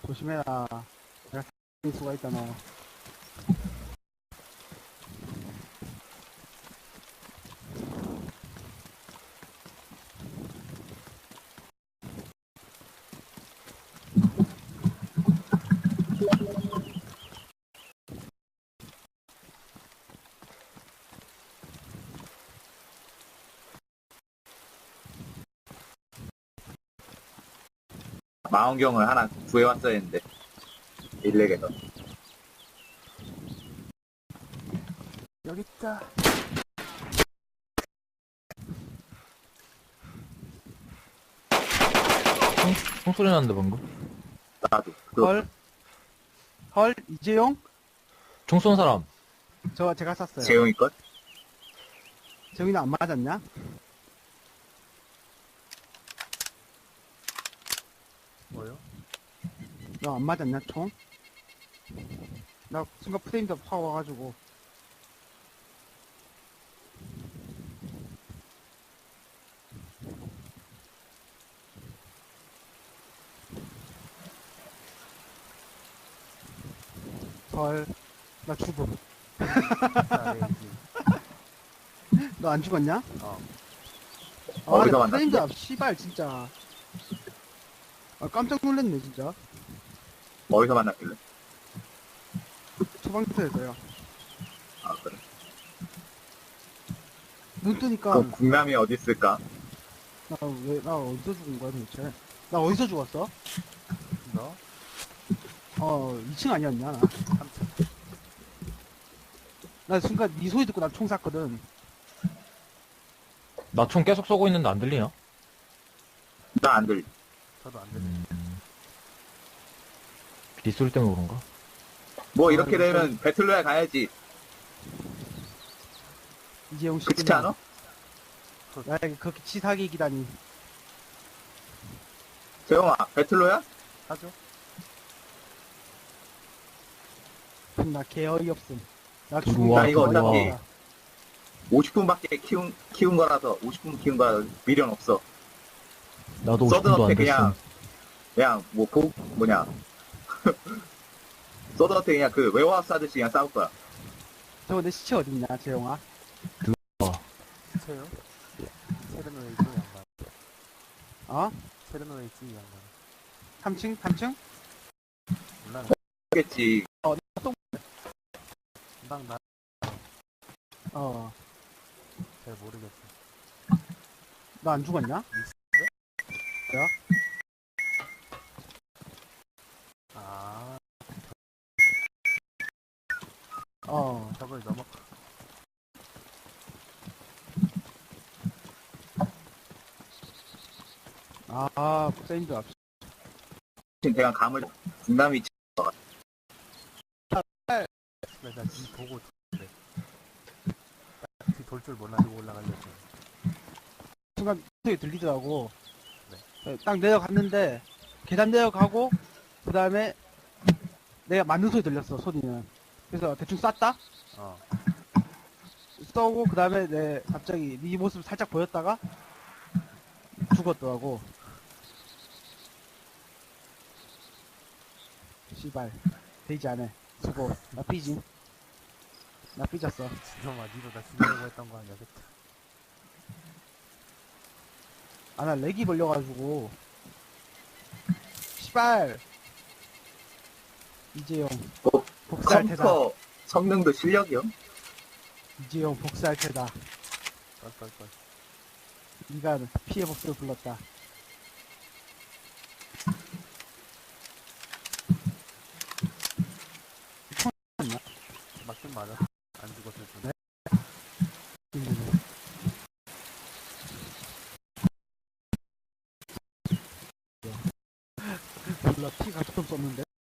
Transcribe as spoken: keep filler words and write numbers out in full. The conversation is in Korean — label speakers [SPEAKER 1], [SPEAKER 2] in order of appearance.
[SPEAKER 1] 조심해라. 내가 살 수가 있다, 너.
[SPEAKER 2] 망원경을 하나 구해왔어야 했는데 일렉에서.
[SPEAKER 1] 여기 있다.
[SPEAKER 3] 총, 총소리 났는데 방금.
[SPEAKER 2] 나도 그거
[SPEAKER 1] 헐. 헐, 이재용?
[SPEAKER 3] 총 쏜 사람.
[SPEAKER 1] 저, 제가 쐈어요.
[SPEAKER 2] 재용이 것.
[SPEAKER 1] 재용이는 안 맞았냐?
[SPEAKER 4] 뭐요?
[SPEAKER 1] 너 안 맞았냐, 총? 나 순간 프레임도 확 와가지고. 헐, 나 죽음.
[SPEAKER 4] 아, 레이지.
[SPEAKER 1] 너 안 죽었냐?
[SPEAKER 4] 어.
[SPEAKER 1] 아,
[SPEAKER 2] 어디서
[SPEAKER 1] 근데 프레임도
[SPEAKER 2] 만났는데?
[SPEAKER 1] 앞, 씨발, 진짜. 아, 깜짝 놀랐네, 진짜.
[SPEAKER 2] 어디서 만났길래?
[SPEAKER 1] 소방서에서요.
[SPEAKER 2] 아 그래.
[SPEAKER 1] 눈 뜨니까,
[SPEAKER 2] 그럼 국남이 어디 있을까?
[SPEAKER 1] 나 왜, 나 어디서 죽은 거야, 도대체? 나 어디서 죽었어?
[SPEAKER 4] 너?
[SPEAKER 1] 어, 이 층 아니었냐, 나.
[SPEAKER 4] 삼 층.
[SPEAKER 1] 나 순간 네 소리 듣고 나 총 쐈거든.
[SPEAKER 3] 나 총 계속 쏘고 있는데 안 들리냐?
[SPEAKER 2] 나 안 들리.
[SPEAKER 4] 저도 안 들려.
[SPEAKER 3] 음. 뒷소리 때문에 그런가?
[SPEAKER 2] 뭐
[SPEAKER 1] 아,
[SPEAKER 2] 이렇게
[SPEAKER 1] 이거
[SPEAKER 2] 되면 배틀로얄 가야지.
[SPEAKER 1] 이재용 씨.
[SPEAKER 2] 그렇지 않아?
[SPEAKER 1] 야, 이게 그렇게 치사하게 기다니.
[SPEAKER 2] 재용아 배틀로얄?
[SPEAKER 4] 하죠?
[SPEAKER 1] 나 개어이 없음. 나
[SPEAKER 3] 들어와,
[SPEAKER 1] 죽은
[SPEAKER 2] 나 이거
[SPEAKER 3] 들어와.
[SPEAKER 2] 어차피 오십 분밖에 키운 키운 거라서 오십 분 키운 거라 미련 없어.
[SPEAKER 3] 나도 오십 분도 안
[SPEAKER 2] 서든어택
[SPEAKER 3] 됐어.
[SPEAKER 2] 그냥 그냥 뭐 고, 뭐냐 서든어택 그냥 그 웨어하우스 하듯이 그냥 싸울 거야.
[SPEAKER 1] 저거 내 시체 어딨냐, 재용아?
[SPEAKER 4] 세요? 세르노웨이지 양반.
[SPEAKER 1] 어?
[SPEAKER 4] 세르노웨이지 양반.
[SPEAKER 1] 삼 층? 삼 층?
[SPEAKER 4] 몰라.
[SPEAKER 2] 겠지.
[SPEAKER 4] 금방 나.
[SPEAKER 1] 어.
[SPEAKER 4] 잘 모르겠어.
[SPEAKER 1] 너 안 죽었냐?
[SPEAKER 4] 아,
[SPEAKER 1] 어.
[SPEAKER 4] 저걸 넘어.
[SPEAKER 1] 아, 세인드 앞.
[SPEAKER 2] 지금 대강 감을 국남이
[SPEAKER 4] 내가 뒤 보고 그래. 뒤돌 줄 몰라가지고 올라가려고.
[SPEAKER 1] 순간 소리 들리더라고.
[SPEAKER 4] 네.
[SPEAKER 1] 딱 내려갔는데, 계단 내려가고, 그 다음에, 내가 맞는 소리 들렸어, 소리는. 그래서 대충 쐈다?
[SPEAKER 4] 어.
[SPEAKER 1] 쏘고, 그 다음에 내, 갑자기 네 모습 살짝 보였다가, 죽었더라고. 씨발. 되지 않아. 수고. 나 삐짐. 나 삐졌어.
[SPEAKER 4] 지금아, 니도 나 죽이려고 했던 거 아니야? 그치?
[SPEAKER 1] 아, 나 렉이 걸려가지고. 씨발. 이재용.
[SPEAKER 2] 어,
[SPEAKER 1] 복수할 테다.
[SPEAKER 2] 컴퓨터 성능도 실력이요?
[SPEAKER 1] 이재용 복수할 테다.
[SPEAKER 4] 껄껄껄.
[SPEAKER 1] 네가 피해 복수를 불렀다.
[SPEAKER 4] 맞긴 맞아. 안 죽었을 뿐.
[SPEAKER 1] 네? 몰라, 피가 좀 썼는데?